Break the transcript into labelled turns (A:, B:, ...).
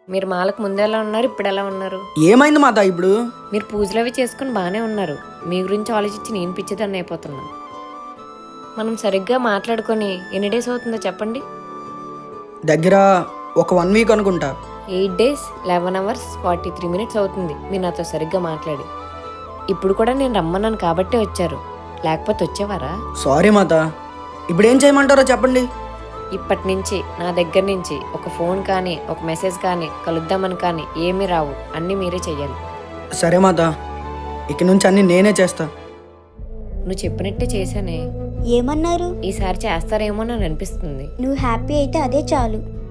A: మీరు మాలకు ముందు ఎలా ఉన్నారు, ఇప్పుడు ఎలా ఉన్నారు?
B: ఏమైంది మాత ఇప్పుడు?
A: మీరు పూజలు అవి చేసుకుని బాగానే ఉన్నారు. మీ గురించి ఆలోచించి నేను పిచ్చిదాన్ని అయిపోతున్నాను. మనం సరిగ్గా మాట్లాడుకొని ఎన్ని డేస్ అవుతుందో చెప్పండి?
B: దగ్గర ఒక 1 వీక్ అనుకుంటా.
A: 8 days 11 hours 43 minutes అవుతుంది మీరు నాతో సరిగ్గా మాట్లాడి. ఇప్పుడు కూడా నేను రమ్మన్నాను కాబట్టే వచ్చారు, లేకపోతే వచ్చేవారా?
B: సారీ మాత, ఇప్పుడు ఏం చేయమంటారో చెప్పండి.
A: ఇప్పటి నుంచి నా దగ్గర నుంచి ఒక ఫోన్ కానీ ఒక మెసేజ్ కానీ కలుద్దామని కానీ ఏమీ రావు. అన్నీ మీరే చెయ్యాలి.
B: సరే మాత, ఇక నుంచి అన్ని నేనే చేస్తా.
A: నువ్వు చెప్పినట్టే చేశానే.
C: ఏమన్నారు?
A: ఈసారి చేస్తారేమో అని అనిపిస్తుంది.
C: నువ్వు హ్యాపీ అయితే అదే చాలు.